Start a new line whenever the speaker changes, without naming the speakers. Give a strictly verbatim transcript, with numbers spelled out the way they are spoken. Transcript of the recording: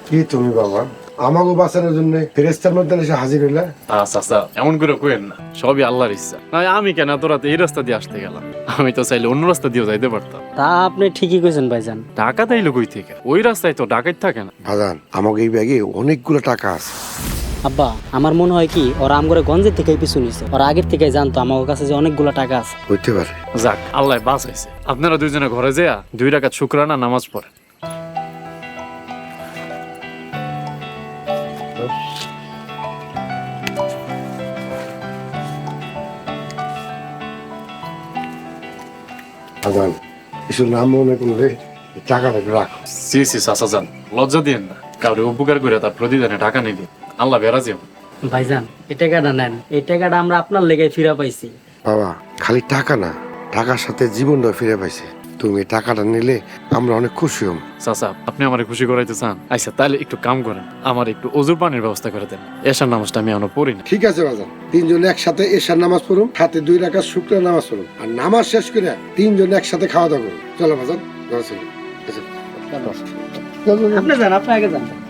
কি তুমি বাবা আমাকে বাঁচানোর জন্য ফেরেস্তার মধ্যে এসে হাজির হইলা?
আচ্ছা আচ্ছা এমন করে কইেন না, সবই আল্লাহর ইচ্ছা। না আমি কেন এত রাতে এই রাস্তা দিয়ে আসতে গেলাম? আমি তো চাইলে অন্য রাস্তা দিয়েও যাইতে পারতাম।
তা আপনি ঠিকই কইছেন ভাইজান।
টাকা তাইলে কই থেকে? ওই রাস্তায় তো ডাকাত থাকে না।
বাজান আমাকে এই ব্যাগে অনেকগুলো টাকা আছে।
আব্বা আমার মনে হয় কি ওরা আমগরে গঞ্জের থেকে পিছু নিছে, ওরা আগের থেকে জানতো আমার কাছে যে অনেকগুলো টাকা আছে।
হইতে পারে।
যাক আল্লাহ বাঁচাইছে। আপনারা দুইজনে ঘরে যেয়া দুই রাকাত শুকরানা নামাজ পড়েন।
বাজান এসব নাম মনে করলে টাকাটা রাখো।
সি সি চাচা যান, লজ্জা দিয়েন না। কাউরে উপকার করে তার প্রতিদানে টাকা নিবি, আল্লাহ বেরাজি।
ভাইজান এই টাকাটা নেন, এই টাকাটা আমরা আপনার লেগে ফিরা পাইছি।
বাবা খালি টাকা না, টাকার সাথে জীবনটা ফিরে পাইছে। তুমি টাকাটা নিলে আমরা অনেক খুশি হব।
চাচা আপনি আমার খুশি করাইতে চান? আচ্ছা তাহলে একটু কাম করেন, আমার একটু অজুর পানির ব্যবস্থা করে দেন। এশার নামাজটা আমি এখনো পড়ি না।
ঠিক আছে বাজান, তিনজন একসাথে এশার নামাজ পড়ুন, হাতে দুই রাকাত শুকরা নামাজ পড়ুন, আর নামাজ শেষ করে তিনজন একসাথে খাওয়া দাওয়া করুন। চলো বাজান, চলো চলো।
আপনি যান, আপনি আগে যান।